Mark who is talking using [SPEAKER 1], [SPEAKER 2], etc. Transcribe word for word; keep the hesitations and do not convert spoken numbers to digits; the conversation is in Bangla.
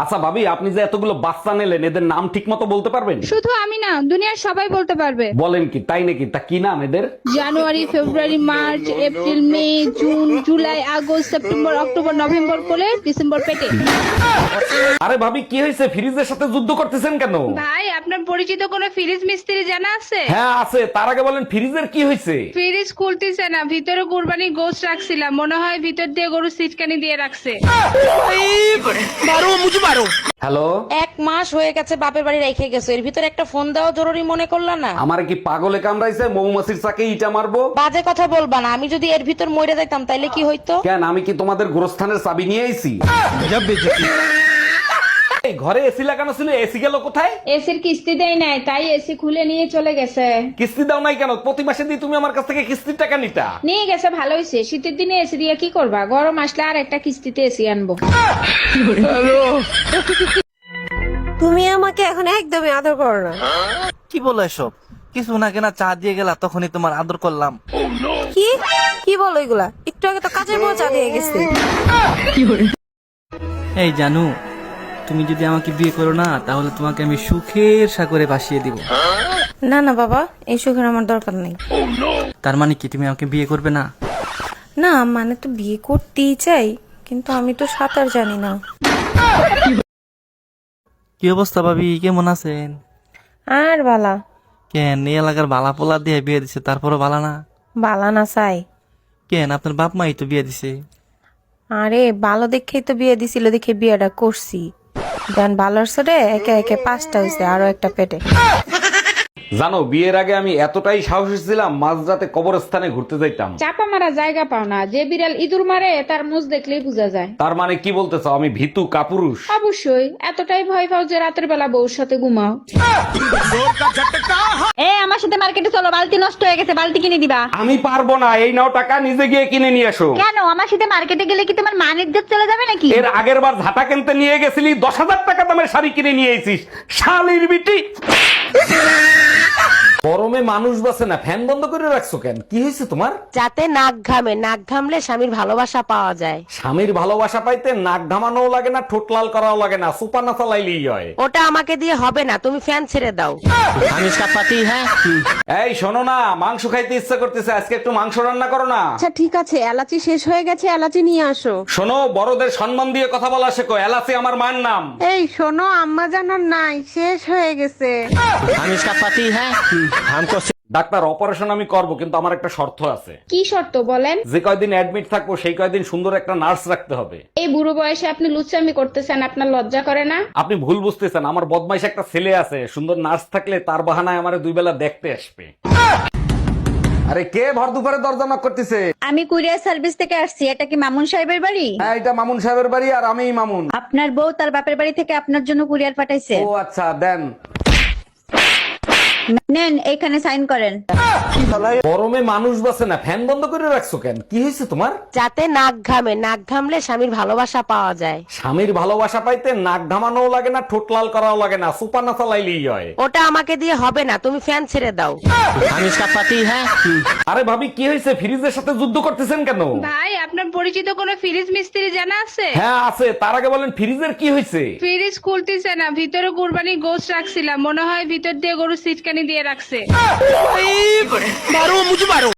[SPEAKER 1] আচ্ছা ভাবি, আপনি যে এতগুলো বাচ্চা নিলেন, এদের নাম ঠিক মতো বলতে পারবেন?
[SPEAKER 2] শুধু আমি না, দুনিয়ার সবাই বলতে পারবে।
[SPEAKER 1] বলেন কি, তাই নাকি? তা কি নাম এদের?
[SPEAKER 2] January, February, March, April, May, June, July, August, September, October, November কোলে, ডিসেম্বর পেটে।
[SPEAKER 1] আরে ভাবি, কি হয়েছে? ফ্রিজের সাথে যুদ্ধ করতেছেন কেন?
[SPEAKER 2] ভাই, আপনার পরিচিত কোনো ফ্রিজ মিস্ত্রি জানা আছে?
[SPEAKER 1] হ্যাঁ আছে, তার আগে বলেন ফ্রিজের কি হয়েছে?
[SPEAKER 2] ফ্রিজ খুলতেছে না, ভিতরে কুরবানি গোশত রাখছিলাম, মনে হয় ভিতর দিয়ে গরু সিটকানি দিয়ে রাখছে।
[SPEAKER 1] হ্যালো,
[SPEAKER 3] এক মাস হয়ে গেছে বাপের বাড়ি রেখে গেছো, এর ভিতরে একটা ফোন দেওয়া জরুরি মনে করলা না?
[SPEAKER 1] আমার কি পাগলে কামড়াইছে? মৌমাছির চাকে ইটা মারবো?
[SPEAKER 3] বাজে কথা বলবা না, আমি যদি এর ভিতর মরে যাইতাম তাইলে কি হইতো?
[SPEAKER 1] কেন, আমি কি তোমাদের গোরস্থানের চাবি নিয়ে আইছি? এই ঘরে এসি লাগানো ছিল, এসি গেল কোথায়?
[SPEAKER 2] এসির কিস্তি দেয় নাই, তাই এসি খুলে নিয়ে চলে গেছে।
[SPEAKER 1] কিস্তি দাও নাই কেন? প্রতি মাসে দিয়ে তুমি আমার কাছ থেকে কিস্তির টাকা নিতা।
[SPEAKER 2] নিয়ে গেছে, ভালো হয়েছে। শীতের দিনে এসি দিয়ে কি করবা? গরম আসলে আর একটা কিস্তিতে এসি আনবো।
[SPEAKER 4] তুমি আমাকে এখন একদমই আদর করো না।
[SPEAKER 5] কি বলো এসব? কিছু না কেনা চা দিয়ে গেলা, তখনই তোমার আদর করলাম।
[SPEAKER 4] কি কি বলো এগুলা? একটু আগে তো কাজের বউ চা দিয়ে গেছে।
[SPEAKER 5] এই জানু, তুমি যদি আমাকে বিয়ে করো না, তাহলে তোমাকে আমি সুখের সাগরে ভাসিয়ে দিব।
[SPEAKER 4] না না বাবা, এই সুখের আমার দরকার নেই।
[SPEAKER 5] তার মানে কি তুমি আমাকে বিয়ে করবে না?
[SPEAKER 4] না মানে তো বিয়ে করতেই চাই, কিন্তু আমি তো সাঁতার জানি না।
[SPEAKER 5] কি অবস্থা ভাবি, কেমন আছেন?
[SPEAKER 4] আর বালা
[SPEAKER 5] কেন, এই এলাকার বালা পোলা দিয়ে বিয়ে দিছে, তারপরও বালা না?
[SPEAKER 4] বালা না চাই।
[SPEAKER 5] কেন, আপনার বাপ মাই তো বিয়ে দিছে।
[SPEAKER 4] আরে ভালো দেখেই তো বিয়ে দিছিল, দেখে বিয়েটা করছি। দেন ভালোর সাথে একে একে পাঁচটা হয়েছে, আরো একটা পেটে।
[SPEAKER 1] জানো, বিয়ের আগে আমি এতটাই সাহসী ছিলাম, মাঝরাতে কবরস্থানে ঘুরতে যাইতাম।
[SPEAKER 2] চাপা মারা জায়গা পাও না, যে বিড়াল ইঁদুর মারে তার মুখ দেখলেই বোঝা যায়।
[SPEAKER 1] তার মানে কি বলতে চাও, আমি ভীতু কাপুরুষ?
[SPEAKER 2] অবশ্যই, এতটাই ভয় পাও যে রাতের বেলা বউর সাথে ঘুমাও। এ আমার সাথে মার্কেটে চলো, বালতি নষ্ট হয়ে গেছে, বালতি কিনে দিবা।
[SPEAKER 1] আমি পারবো না, এই নাও টাকা, নিজে গিয়ে কিনে নিয়ে এসো।
[SPEAKER 2] কেন, আমার সাথে মার্কেটে গেলে কি তোমার মান ইজ্জত চলে যাবে নাকি?
[SPEAKER 1] এর আগের বার ঝাঁটা কিনতে নিয়ে গেছিলি, দশ হাজার টাকা দামের শাড়ি কিনে নিয়ে এসিস, শালির বিটি। গরমে মানুষ বাসে না, ফ্যান বন্ধ করে রাখছো কেন? কি হয়েছে তোমার?
[SPEAKER 3] যাতে নাক ঘামে, নাক ঘামলে স্বামীর ভালোবাসা পাওয়া যায়।
[SPEAKER 1] স্বামীর ভালোবাসা পাইতে নাক ঘামানোও লাগে না, ঠোঁট লাল করাও লাগে না, সুপার না চালাইলেই হয়।
[SPEAKER 3] ওটা আমাকে দিয়ে হবে না, তুমি ফ্যান ছেড়ে দাও।
[SPEAKER 5] আমি ইসকা পাতি হ্যাঁ।
[SPEAKER 1] এই শোনো না, মাংস খাইতে ইচ্ছা করতেছে, আজকে একটু মাংস রান্না করো না।
[SPEAKER 6] আচ্ছা ঠিক আছে, এলাচি শেষ হয়ে গেছে, এলাচি নিয়ে আসো।
[SPEAKER 1] শোনো, বড়দের সম্মান দিয়ে কথা বলা শেখো, এলাচি আমার মায়ের নাম।
[SPEAKER 6] এই শোনো, আম্মা জানার নাই, শেষ হয়ে গেছে।
[SPEAKER 5] আমি ইসকা পাতি হ্যাঁ।
[SPEAKER 1] ডাক্তার, অপারেশন আমি করব, কিন্তু আমার একটা শর্ত আছে।
[SPEAKER 2] কি শর্ত বলেন?
[SPEAKER 1] যে কয়দিন অ্যাডমিট থাকবো, সেই কয়দিন সুন্দর একটা নার্স রাখতে হবে।
[SPEAKER 2] এই বুড়ো বয়সে আপনি লুচ্চামি করতেছেন, আপনার লজ্জা করে না?
[SPEAKER 1] আপনি ভুল বুঝতেছেন, আমার বদমাইশ একটা ছেলে আছে, সুন্দর নার্স থাকলে তার বাহানায় আমারে দুই বেলা দেখতে আসবে। আরে কে ভর দুপুরে দরজা knock করতেছে?
[SPEAKER 7] আমি কুরিয়ার সার্ভিস থেকে আসছি। এটা কি মামুন সাহেবের বাড়ি?
[SPEAKER 1] হ্যাঁ, এটা মামুন সাহেবের বাড়ি, আর আমি মামুন।
[SPEAKER 7] আপনার বউ তার বাপের বাড়ি থেকে আপনার জন্য কুরিয়ার পাঠাইছে।
[SPEAKER 1] ও আচ্ছা, দেন।
[SPEAKER 7] নেন, এখানে সাইন করেন।
[SPEAKER 1] গরমে মানুষ বাসে না, ফ্যান বন্ধ করে রাখছো কেন? কি হয়েছে তোমার?
[SPEAKER 3] যাতে নাক ঘামে, নাক ঘামলে স্বামীর ভালোবাসা পাওয়া যায়।
[SPEAKER 1] স্বামীর ভালোবাসা পাইতে নাক ঘামানোও লাগে না, ঠোঁট লাল করাও লাগে না, সুপার না চালাইলেই হয়।
[SPEAKER 3] ওটা আমাকে দিয়ে হবে না, তুমি ফ্যান ছেড়ে দাও।
[SPEAKER 5] আমি ইসকা পাতি হ্যাঁ।
[SPEAKER 1] আরে ভাবি, কি হয়েছে? ফ্রিজের সাথে যুদ্ধ করতেছেন কেন?
[SPEAKER 2] ভাই, আপনার পরিচিত কোনো ফ্রিজ মিস্ত্রি জানা আছে?
[SPEAKER 1] হ্যাঁ আছে, তার আগে বলেন ফ্রিজের কি হয়েছে?
[SPEAKER 2] ফ্রিজ খুলতেছে না, ভিতরে কুরবানি গোশত রাখছিলাম, মনে হয় ভিতর দিয়ে গরু সিটকানি দিয়ে রাখছে।